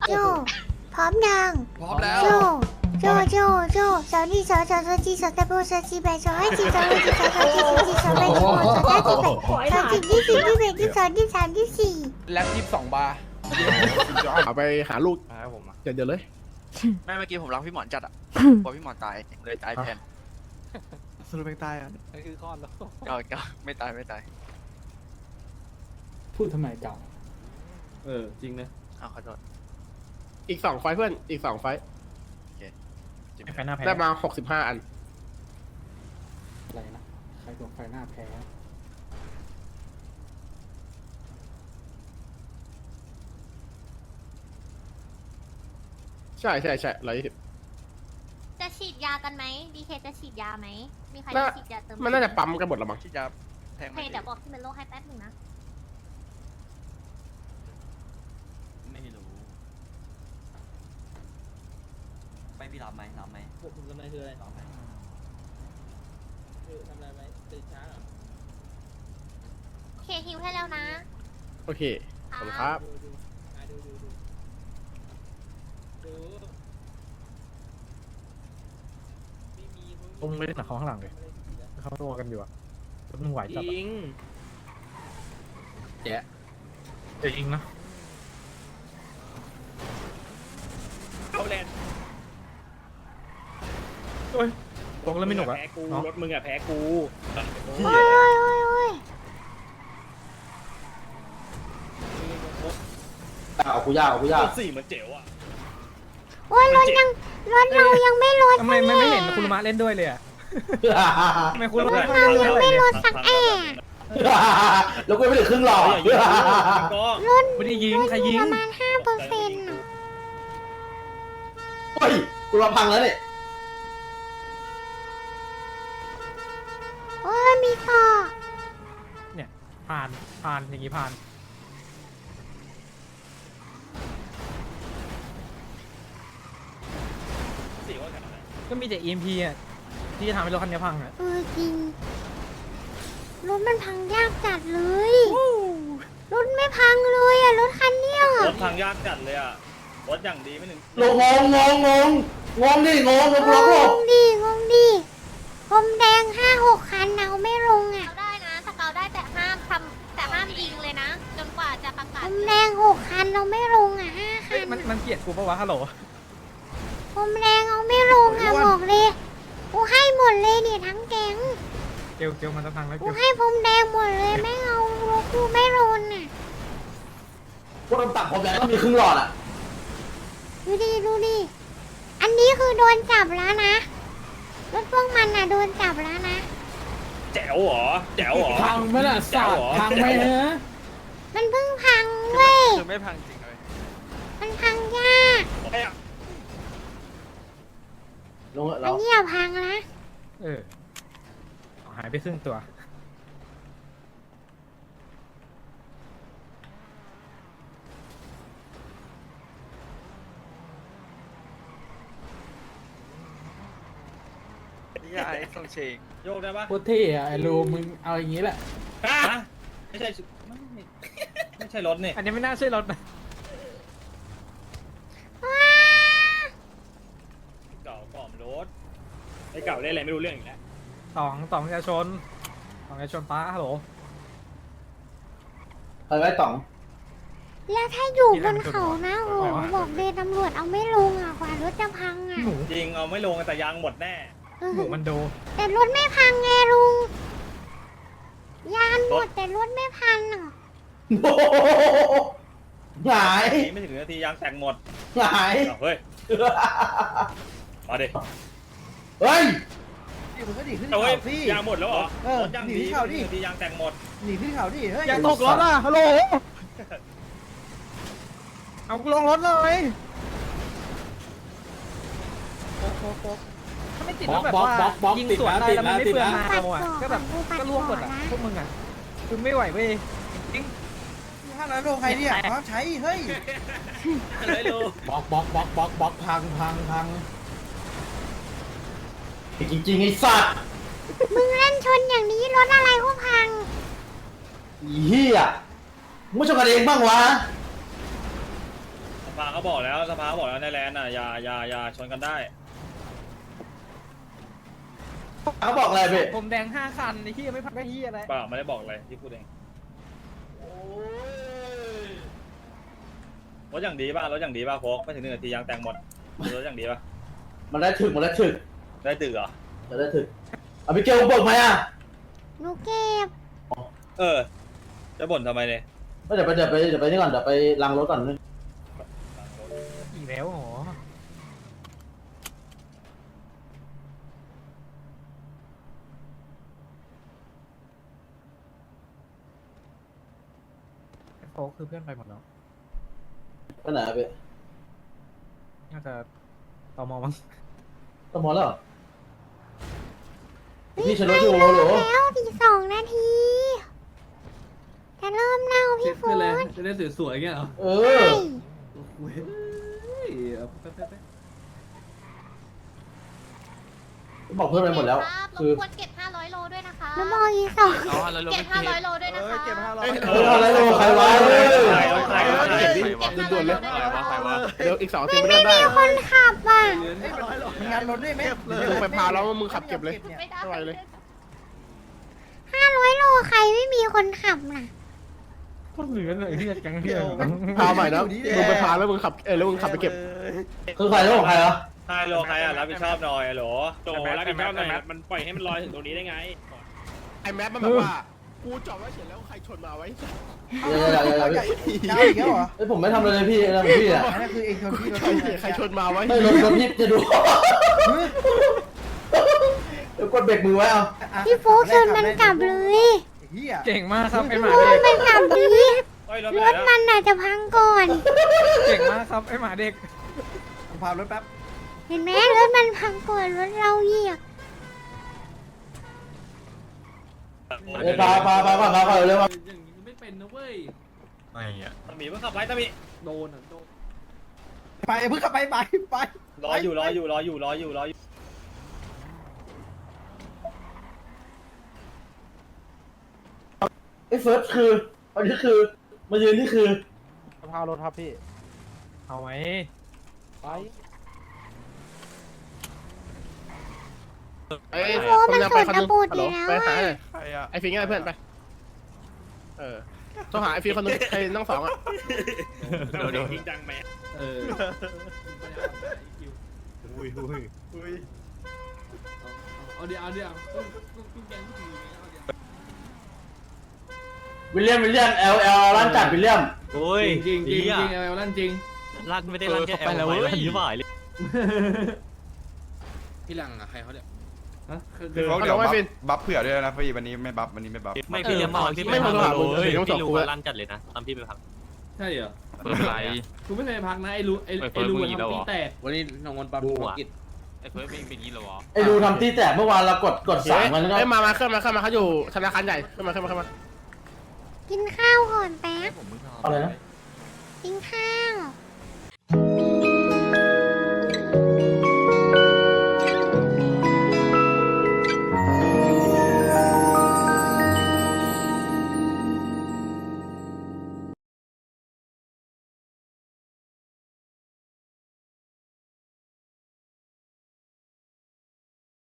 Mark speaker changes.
Speaker 1: โจพร้อมยัง
Speaker 2: พร้อมแล้ว
Speaker 1: โจสาวนี่สาวจีสาวตะโบสาวจีแบสาวให้จีสาวให้จีสาวจีสาวแบสาวสาวจีแบสาวจีที่สี่ที่แบที่สองที่สามที่สี่
Speaker 2: แล็บ22 บาร์
Speaker 3: เอาไปหาลูก
Speaker 4: ครับผมอะ
Speaker 3: เดี๋ยวเลย
Speaker 4: แม่เมื่อกี้ผมรักพี่หมอนจัดอะพอพี่หมอนตายเลยตายแทน
Speaker 3: สรุปเป็นตายอ่ะ
Speaker 2: นั่นคือคลอดแล้ว
Speaker 4: ก็ไม่ตายไม่ตาย
Speaker 5: พูดทำไมเก่า
Speaker 3: จริงนะ
Speaker 4: อ้าวขอโทษ
Speaker 3: อีก2 ไฟล์เพื่อนอีก2 ไฟล์
Speaker 4: จิบ
Speaker 5: ไฟหน้าแพ้
Speaker 3: ได้มา65 อัน
Speaker 5: อะไรนะ ใครตัวไฟหน้าแพ้
Speaker 3: ใช่120
Speaker 1: จะฉีดยากันไหมดีเคจะฉีดยาไหมมีใคร
Speaker 3: น่า
Speaker 1: จะฉีดยาเติม
Speaker 3: มันน่าจะปั๊มกันหมดละมั้ง
Speaker 4: ที่จะแทง
Speaker 1: โอเคเดี๋ยวบอกที่เมโลให้แป๊บหนึงนะ
Speaker 6: ไม่รู้ไม่พี่รับไหมรับไหม
Speaker 7: ผมทำอะไรคืออะไร
Speaker 6: รับไหม
Speaker 7: คือทำอะไรไหมตื่นเช้าเหรอ
Speaker 1: โอเคฮิวให้แล้วนะ
Speaker 3: โอเคขอบคุณครับ
Speaker 7: ดูอ่ะดูไม่มี
Speaker 5: ผมไม่ได้หนักเขาข้างหลังเลยเขาตัวกันอยู่อะแล้วมึงไหว
Speaker 7: จ
Speaker 5: จับ
Speaker 7: ริง
Speaker 5: จะยิงนะ
Speaker 7: เขาแลน
Speaker 5: โอ้ยตรงแล้วไม่หนุกอะ
Speaker 7: แพ้กู
Speaker 5: เนาะ
Speaker 7: รถมึงอะแพ้กู
Speaker 1: โอ้ย
Speaker 6: เอากูยากเอากูยาก
Speaker 7: รถสี่มันเจ๋วอะ
Speaker 1: โอ้ยรถเรายังไม่ลด
Speaker 5: ทำไมไม่เห็นคุณมะเล่นด้วยเลยอะทำไมคุณมะ
Speaker 1: เรายังไม่ลดสักแอะ
Speaker 6: แล้วกูไม่ถึงครึ่งหรอก
Speaker 7: อย่ายิงก็
Speaker 1: ลด
Speaker 5: ไม่ได้ยิงใครยิง
Speaker 1: ประมาณ5%น่ะ
Speaker 6: เฮ้ยกูรอพังแล้วเนี่ย
Speaker 1: โอ้ยมีต่อ
Speaker 5: เนี่ยผ่านอย่างงี้ผ่าน
Speaker 7: สี่ว่ากันอะไร
Speaker 5: ก็มีแต่ EMP อะที่จะทำให้รถคันนี้พังอะ
Speaker 1: จริงรถมันพังยากจัดเลยรถไม่พังเลยอะรถคันเนี้ย
Speaker 7: รถทางยากจัดเลยอะรถอย่างดีไม่ถึง
Speaker 6: ลงงงดิงงแล้วกูล็อกหลบ
Speaker 1: งงดิพรมแดง5-6 คันเอาไม่ลงอ่ะได้นะสเกาได้แต่ห้ามยิงเลยนะ จนกว่าจะประกาศพรมแดง6 คันเราไม่ลงอ่ะ5 คั
Speaker 5: เฮ้ย
Speaker 1: น
Speaker 5: มันเกลียดกูปะวะฮัลโหล
Speaker 1: พรมแดงเอาไม่ลงอ่ะบอกเลยกูให้หมดเลยเนี่ยทั้งแก๊ง
Speaker 5: เกลมันจะพังแล้ว
Speaker 1: กู
Speaker 5: เกล
Speaker 1: ให้พรมแดงหมดเลยไม่เอากูไม่ลงอ่ะ
Speaker 6: พวกเราตักผมแล้วก็มีครึ่งหลอดอ่ะ
Speaker 1: ดูดิอันนี้คือโดนจับแล้วนะรถพวกมันอ่ะโดนจับแล้วนะ
Speaker 7: แจ๋วเหรอแจ๋วเหรอ
Speaker 5: พังไหมล่ะ
Speaker 7: แจ๋วเหรอ
Speaker 5: พังไหมฮะ
Speaker 1: มันเพิ่งพังเว้ย
Speaker 4: คือไม่พังจริงเลย
Speaker 1: มันพังยาก
Speaker 7: เอ้ยอะ
Speaker 6: ลง
Speaker 1: อั
Speaker 6: เรา
Speaker 1: นนี้อย่าพังนะ
Speaker 5: หายไปครึ่งตัว
Speaker 4: นี่ไอ้ส่งเชง
Speaker 7: โยกได้ปะ
Speaker 5: โคตรเท่อะไอ้ลูมึงเอาอย่างงี้แหละ
Speaker 7: ฮะไม่ใช่ไม่ใช่รถนี่
Speaker 5: อันนี้ไม่น่าใช่รถนะ
Speaker 7: เก่าก่อมรถไอ้เก่าได้อะไรไม่รู้เรื่องอีกแล้ว
Speaker 5: สองประชาชนป้าฮัลโหล
Speaker 6: เฮ้ยไว้ต่อง
Speaker 1: แล้วถ้าอยู่บนเขานะโอ้โหบอกเลยตำรวจเอาไม่ลงอ่ะกว่ารถจะพังอ่ะ
Speaker 5: หมู
Speaker 7: จริงเอาไม่ลงแต่ยางหมดแน่
Speaker 5: หมูมันโด
Speaker 1: แต่รถไม่พังไงลุงยานหมดแต่รถไม่พังอ่ะ
Speaker 6: โอ้โหหงาย
Speaker 7: ไม่ถึงนาทียางแตกหมด
Speaker 6: หงาย
Speaker 7: เอาเฮ้ยมาดิ
Speaker 6: เฮ้ย
Speaker 8: มึงก็ดีขึ้น
Speaker 7: เอาเฮ้ย
Speaker 8: เขาสิ
Speaker 7: ยางหมดแล้วเหรอ
Speaker 8: เออ
Speaker 7: รถยาง
Speaker 8: หนี
Speaker 7: ดี
Speaker 8: ที่เขาดิ
Speaker 7: นาทียางแตกหมด
Speaker 8: หนีขึ้นเขาดิ เฮ้ย
Speaker 5: อย่าตกรถอ่ะฮัลโหลเอากูลงรถเลยถ้าไม่ติดแล้วแบบว่ายิงสวนได้แล้วมันไม่เปลืองมาเอาอ่ะก็แบบก็ล่วงหมดอ่ะพวกมึงอ่ะคือไม่ไหวเว้ย
Speaker 8: ถ้านั้นโลงใครเนี่ยเขาใช้ เฮ้ย
Speaker 7: เลยลู
Speaker 5: บล็อกพัง
Speaker 6: จริงๆไอ้สัตว์
Speaker 1: มึงเล่นชนอย่างนี้รถอะไรก็พัง
Speaker 6: อีเหี้ยมึงไม่ชอบกันเองบ้างวะ
Speaker 7: ไปภาเขาบอกแล้วในแลนด์อ่ะอย่าชนกันได้
Speaker 6: เขาบอกอะไรพี่
Speaker 5: ผมแดง5 คันไอ้ที่ไม่พักได้ที่อะไร
Speaker 7: เปล่าไม่ได้บอกอะไรที่พูดเองรถอย่างดีป่ะโฟกไม่ถึง1 นาทียางแตงหมดรถอย่างดีป่ะ
Speaker 6: มันได้ถึก
Speaker 7: ได้ตึกเหรอ
Speaker 6: จะได้ถึกเอาพี่เกลเบิกไหมอ่ะ
Speaker 1: หนูเก็บ
Speaker 7: จะบ่นทำไมเนี่ย
Speaker 6: เดี๋ยวไปนี่ก่อนเดี๋ยวไปล้างรถก่อนนึง
Speaker 5: อีกแล้วเหรอโฟกคือเพื่อนไปหมดแล้ว
Speaker 6: ไปไหนอะพี่
Speaker 5: น่าจะตมมั้ง
Speaker 6: ต้องมอแล้วเหรอพี่ฉันรถอยู่เหรอ
Speaker 1: แล้วอีก2 นาทีจะเริ่มเล่าพี่โฟน
Speaker 8: จะได้สวยๆเงี้ยเหรอ
Speaker 6: เอ
Speaker 1: ใช่
Speaker 6: บอกเพื่อนไปหมดแล้ว คือ
Speaker 1: ควรเก็บ500 โลด้วยนะคะแล้วบอกอีก2เก็บ500 โลด้วยนะคะ
Speaker 5: เก็บ500
Speaker 6: อะไรโลใครวะ
Speaker 1: เก็บ500 โลด้วยนะคะ
Speaker 3: เดี๋ยวอีก2 ที
Speaker 1: มัน
Speaker 3: ไม่
Speaker 1: ไม่
Speaker 3: ได้
Speaker 1: มีคนขับอ่ะ
Speaker 8: มีงานรถด้วยไหม
Speaker 3: มึงไปพาแล้วมึงขับเก็บเลย
Speaker 1: ไม่ได้
Speaker 3: ไม่ไหวเลย
Speaker 1: 500 โลใครไม่มีคนขับน่ะ
Speaker 5: ก็เหลือเลยที่จะแก๊งเที่ยว
Speaker 3: พาใหม่นะมึงไปพาแล้วมึงขับแล้วมึงขับไปเก็บ
Speaker 6: คือใครแล้วของใครวะ
Speaker 7: 5 โลใครอ่ะรับผิดชอบหน่อยโหล
Speaker 2: โตรับผิดชอบหน่อยมันปล่อยให้มันลอยถึงตรงนี้ได้ไง
Speaker 3: ไอ้แมปมันแบบว่ากูจอดไว้เฉยแล้วใครชนมาไว้
Speaker 8: ยาวอีกแล้วเหรอ
Speaker 6: เฮ้ยผมไม่ทำอะไรเลยพี่อะไรของพี่อ่ะ
Speaker 8: นั่นคือเองชนพี่รถ
Speaker 3: ใครชนมาไว้
Speaker 6: ไม่รถพี่จะดูเดี๋ยวกดเบรกมือไว้เอา
Speaker 1: พี่โฟกชนมันกลับเลย
Speaker 8: เฮีย
Speaker 5: เก่งมากครับไอ้หมา
Speaker 1: โอ้
Speaker 5: เด็
Speaker 1: ย
Speaker 5: ก
Speaker 1: มันกลับดี
Speaker 7: รถ
Speaker 1: รถมันอาจจะพังก่อน
Speaker 5: เก่งมากครับไอ้หมาเด็ก
Speaker 8: ผมพารถแป๊บ
Speaker 1: เห็นไหมรถมันพังก่อนรถเราเหยียบ
Speaker 6: พาก่อนเร็วมา
Speaker 8: อย่างนี้ไม่เป็นนะเว้ย
Speaker 7: ตะหมีเพิ่งขับไปตะหมี
Speaker 8: โดนไปเพิ่งขับไป
Speaker 7: รออยู่
Speaker 6: ไอ้เฟิร์สคืออันนี้คือมายืนนี่คือ
Speaker 2: พารถครับพี่
Speaker 5: เอาไหม
Speaker 2: ไป
Speaker 3: ไอ้
Speaker 1: โฟมันสวนกระปุดอยู่แล้ว
Speaker 3: ไปหา
Speaker 1: อ่ะ
Speaker 3: ไอ้ฟิงไงเพื่อนไปโทรหาไอ้ฟิงคนนึงใครนั่ง2อ่ะ
Speaker 2: เดี๋ยวจริงจังไหม
Speaker 8: เอาเดี๋ยว
Speaker 6: วิลเลียมLร้านจัดวิลเลียม
Speaker 9: โอ้ย
Speaker 8: จริงเอาลั่นจริง
Speaker 9: ลั่นไม่ได้ลั่นแค่แอลไปลั่นยี่บ่ายเลย
Speaker 8: พี่หลังอะใครเขาเนี่ย
Speaker 3: คือ
Speaker 10: เขา
Speaker 3: เขา
Speaker 10: เดี๋ยว
Speaker 3: ไม่
Speaker 10: บัฟ
Speaker 3: ฟิน
Speaker 10: บัฟเผื่อด้วยนะพี่วันนี้ไม่บัฟวันนี้ไม่บัฟ
Speaker 9: ไม่พี่เลี้ยงมาพี่
Speaker 3: ไม่มาหามึง
Speaker 9: เลย
Speaker 3: เดี๋ยวต้องส่ง
Speaker 9: พี่รู้
Speaker 3: กู
Speaker 9: ว่าลั่นจัดเลยนะตอนพี่ไปพัก
Speaker 8: ใช่เหรอ
Speaker 9: เปิดไร
Speaker 8: กูไม่เคยพักนะไอ้รู้ทำตีแตก
Speaker 7: วันนี้น้องนปาบูกิจ
Speaker 9: ไอ้เฟิร์สเป็นอย่างนี้เหรอวะ
Speaker 6: ไอ้ดูทำตีแตกเมื่อวานเรากดสั่งมันก็
Speaker 3: ไอ้มาขึ้นมาเขาอยู่ธนาคารใหญ่ขึ้นมา
Speaker 1: กินข้าวก่อนแป๊บ
Speaker 6: อะไรนะ
Speaker 1: กินข้าว